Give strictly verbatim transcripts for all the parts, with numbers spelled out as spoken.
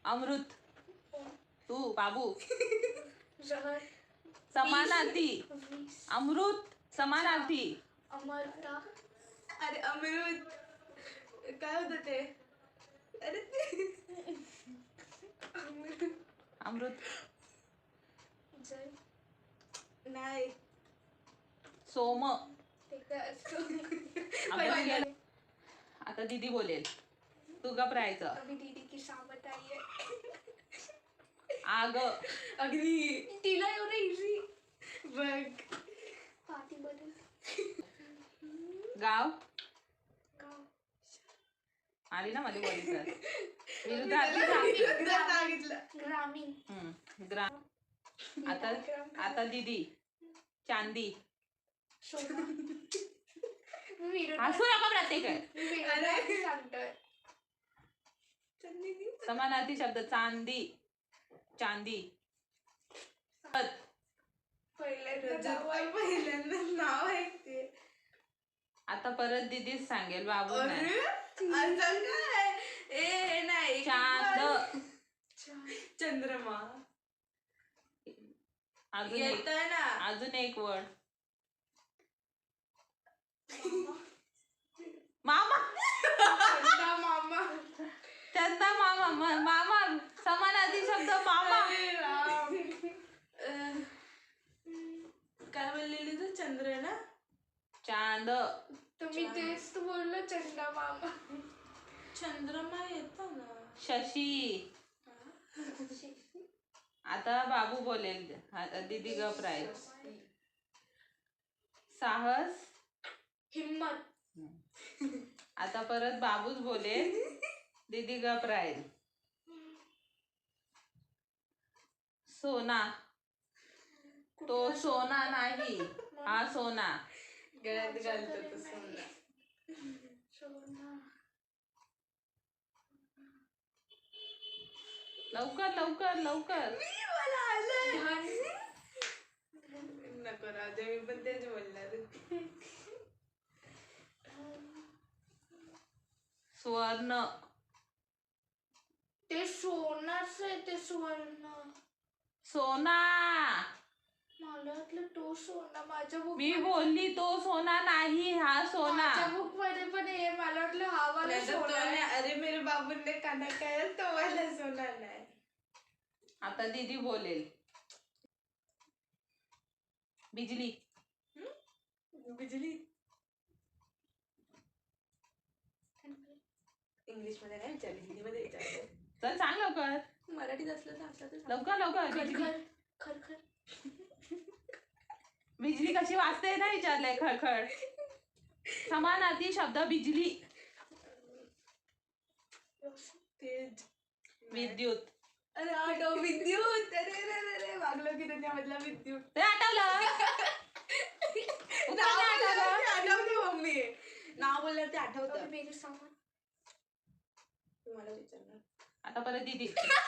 अमृत. तू बाबू. जहर. समानार्थी. अमृत समानार्थी. अमरता. अरे अमृत काय होतं ते? अरे अमृत. जय. नाही. सोम. ते काय असतं? अभ्यास केला? आता दीदी बोलेल, तू गप राहायचं. अभी दीदी की सामत आई है. आग. अग्नी. तिला एवढं इझी. बघ. पाठी बदल. गाव. गाव. आली ना मध्ये बोलायचं. विरुद्धार्थी सांग. सांगितलं. ग्रामीण. हम्म, ग्राम. आता आता दीदी. चांदी. सोना. विरुद्ध. हसू नका प्रत्येक आहे. विरुद्ध सांगतोय. समानार्थी शब्द चांदी. चांदी. पहिल्यांदा नाव आहे ते. आता परत दीदीच सांगेल, बाबू नाही. ए नाही. चांद. चंद्रमा. अजून येत एक ना. अजून एक वर्ड. मामा. मामा. चंदा मामा. म- मामा समानार्थी शब्द मामा. काय बोललेली तू? चंद्र ना. चांद. तुम्ही तेच तर बोललो, चंदा मामा. चंद्रमा येतो ना. शशी. आता बाबू बोलेल, आता दीदी गप राहील. साहस. हिम्मत. आता परत बाबूच बोलेल, दीदी गप राहील. सोना. तो सोना नाही, हा सोना. गळ्यात घालतो तो सोना. सोना. लवकर लवकर लवकर. मला आलं. धन. नको राहू दे, मी पण तेच बोलणार होते. स्वर्ण. ते सोनाच आहे, ते सुवर्ण. सोना. मला वाटलं तो सोना. माझ्या बुक मी बोलली तो सोना नाही, हा सोना. माझ्या बुक मध्ये पण हे मला वाटलं हा वाला नाही तर तो सोना नाही. आहे. अरे मेरे बाबू ने काना काय तो वाला सोना नाही. आता दीदी बोलेल. बिजली. बिजली. इंग्लिश मध्ये नाही विचारली, हिंदी मध्ये विचारलं. चल सांग लवकर. मराठीत असलं तर असलं तर लवकर लवकर. बिजली. खरखर. खरखर. बिजली कशी वाजते ना विचारलंय. खळखळ. समानार्थी शब्द बिजली. तेज. विद्युत. अरे आठव विद्युत. अरे अरे अरे वागलं की त्याच्यामधला विद्युत. ते आठवलं. नाव बोलल्यावर ते आठवतं मम्मी. नाव बोलल्यावर ते आठवतं. अभी मेरे सामान. तुम्हाला विचारणार. आता परत दीदी.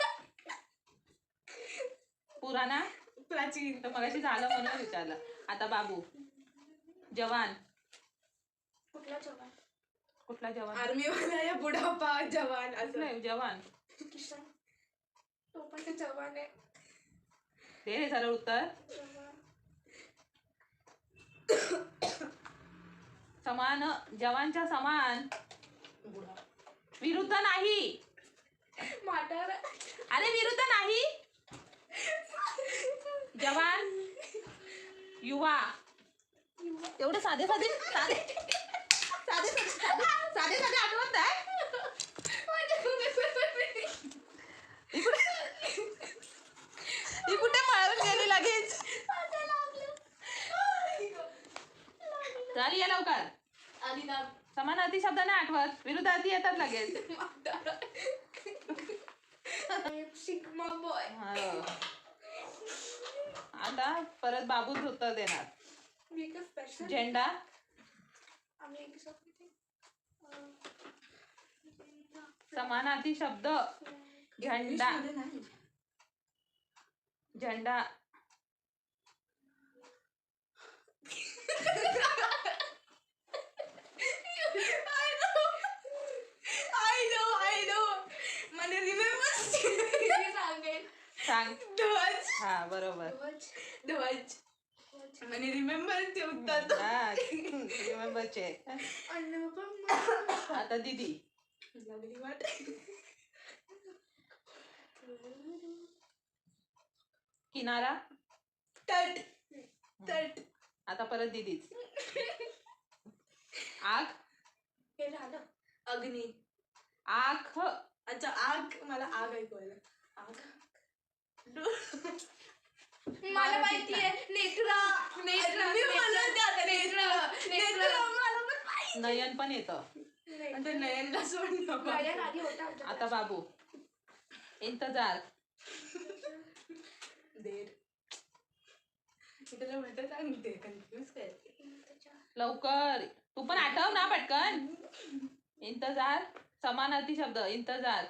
पुराणा. प्राचीन. तर मगाशी झालं म्हणून विचारलं. आता बाबू. जवान. कुठला जवान? कुठला जवान? आर्मी वाला या बुढापा जवान असं. कुठला जवान? किसान. तो पण ते जवान आहे. दे रे सरळ उत्तर. जवान. समान. जवानच्या समान. बुढा. विरुद्ध नाही. म्हातारा. अरे विरुद्ध नाही. जवान. युवा. एवढे साधे साधे साधे साधे साधे साधे साधे आठवत आहे. ती कुठे पळून गेली लगेच. चल ये लवकर. आणि ना समानार्थी शब्द नाही आठवत, विरुद्धार्थी येतात लगेच. Sigma boy. हो. आता परत बाबूच उत्तर देणार. मी का स्पेशल. झेंडा. आम्ही एक शब्द थे. समानार्थी शब्द. झेंडा. झेंडा. I know, I know. मला remember सांग. ध्वज हा बरोबर. ध्वज ध्वज ध्वज आणि रिमेंबर ते उत्तर हा, रिमेंबरचे. अन्न पण आता दीदी. लागली वाट. किनारा. तट तट आता परत दीदीच. आग. हे झालं. अग्नी. आख. अच्छा आग मला आग ऐकवायला आग मला माहितीये नेत्रा नेत्रा मी म्हणलं ते आता नेत्र नेत्र नेत्र मला पण माहिती. नयन पण येतं. आता नयनला सोडणं नयन आधी होता आता बाबू. इंतजार. देर मी त्याला म्हणते सांगते कन्फ्युज करते. लवकर. तू पण आठव ना पटकन. इंतजार. समानार्थी शब्द. इंतजार.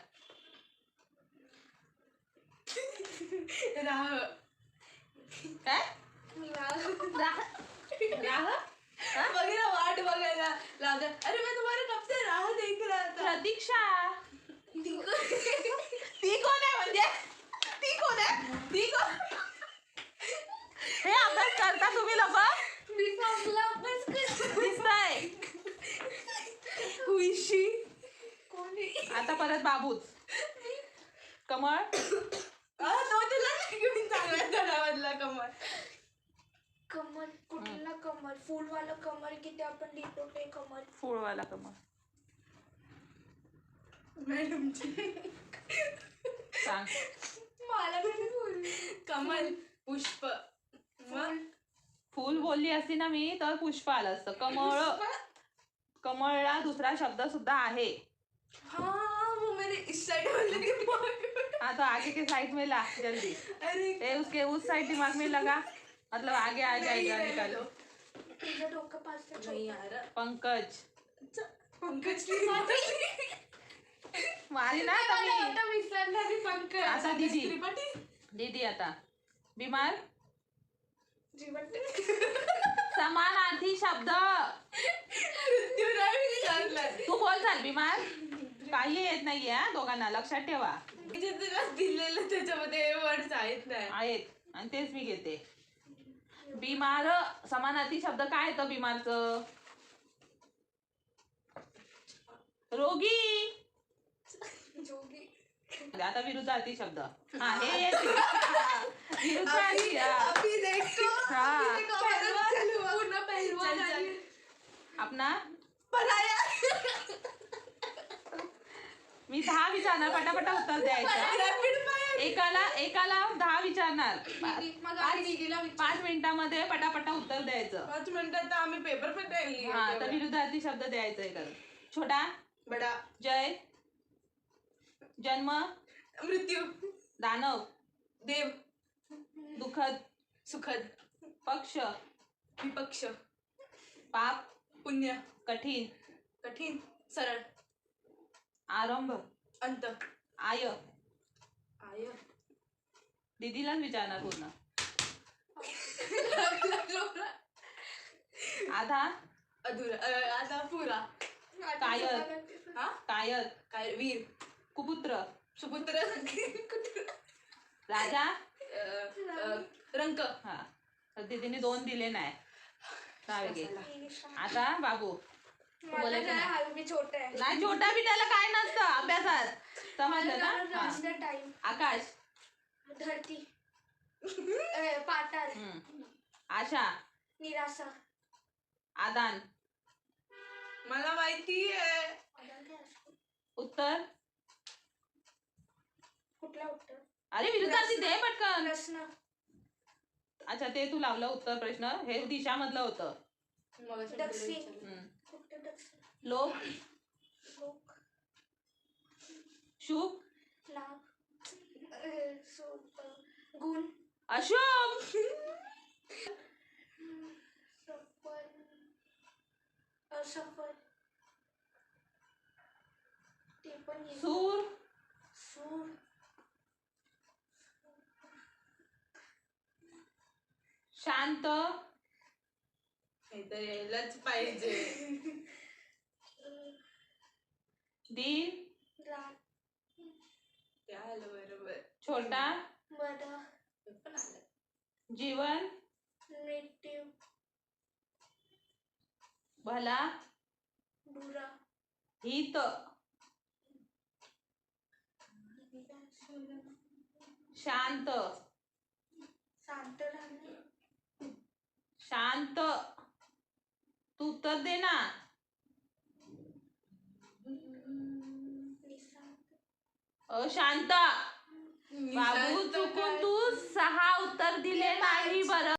राह काय. राह राह. वगैरे वाट बघायला लागत. अरे मैं तुम्हारे कब से राह देख रहा था. प्रतीक्षा. ती कोण आहे म्हणजे. ती कोण आहे. ती कोण. हे अभ्यास करता तुम्ही लोक. मी फॉर्मला अभ्यास करते. दिसतंय. हुईशी कोणी आता परत बाबूच. कमळ. आ, तो तुला घेऊन चांगला धडामधला कमल. कमल कुठला कमल फुलवाला कमल की ते आपण लिहितो ते कमल. फुलवाला कमळ. मॅडमची सांग. मला पण फुल कमल पुष्प मग फुल बोलली असती ना मी तर पुष्प आलं असतं. कमळ. कमळला दुसरा शब्द सुद्धा आहे. हाँ वो मेरे इस साइड वाले दिमाग में. हाँ तो आगे के साइड में ला जल्दी. अरे ए उसके उस साइड दिमाग में लगा. मतलब आगे आ जाएगा नहीं निकालो. तुझं डोकं पाच ते नहीं चौदा. यार. पंकज. अच्छा, पंकज त्रिपाठी. मारी ना मला कमी. आता विसरला मी पंकज. आता दीदी. त्रिपाठी दीदी आता. बीमार. जीवन समानार्थी शब्द. मृत्यूराय विचारलं. तू बोल चाल. बीमार. काही येत नाहीये हा दोघांना. लक्षात ठेवा. जे तुला दिलेलं त्याच्यामध्ये वर्ड्स आहेत नाही. आहेत आणि तेच मी घेते. बीमार. समानार्थी शब्द काय येतं बीमारचं. रोगी. जोगी आता विरुद्धार्थी शब्द. हा हे येते. विरुद्धार्थी. हा. अभी देखो हा. अभी देखो पहलवान चलो पूर्ण पहलवान चल, चल. आणि अपना. पराया. मी दहा विचारणार पटापटा उत्तर द्यायचं. Rapid fire. एकाला एकाला दहा विचारणार. दीदी मग पाच आम्ही दीदीला विचार. पाच मिनिटामध्ये पटापटा उत्तर द्यायचं. पाच मिनिटात तर आम्ही पेपर पण द्यायला हा तर विरुद्धार्थी शब्द द्यायचा आहे करून. छोटा. बडा. जय. जन्म. मृत्यू. दानव. देव. दुःखद. सुखद. पक्ष. विपक्ष. पाप. पुण्य. कठीण. कठीण. सरळ. आरंभ. अंत. आय. आय. दीदीलाच विचारणार पूर्ण. आधा. अधुरा अ, आता पुरा. कायर. हा कायर. काय वीर. कुपुत्र. सुपुत्र. राजा. अ, अ, रंक. हा तर दीदीने दोन दिले नाही. सहा वेगळे. आता बाबू. मला बोलायचं काय नाही. हाल मी छोटा आहे. नाही छोटा बिटाला काय नसतं अभ्यासात. समजलं ना. हा. राजा टाइम आकाश. धरती अ, पाताळ हम्म. आशा. निराशा. आदान. मला माहिती आहे. आधार काय असतो? उत्तर. कुठला उत्तर अरे विरुद्धार्थी दे पटकन. प्रश्न अच्छा ते तू लावलं उत्तर प्रश्न. हे दिशा मधलं होतं. मगाशी दक्षिण. विचारलं. हम्म. कुठलं दक्षिण लोक. लोक शुभ. लाभ अ, सो- अ, गुण अशुभ. सफल असफल ते पण येईल. सूर. सूर शांत. हे तर यायलाच पाहिजे. दीन. राग ते आलं बरोबर. छोटा. बरं. पण आलं. जीवन नेटिव. भला बुरा. हित शांत शांत राहणे. शांत तू उत्तर दे ना. निशांत. अशांत बाबू निशांत चुकून काय? तू सहा उत्तर दिले नाही बरं.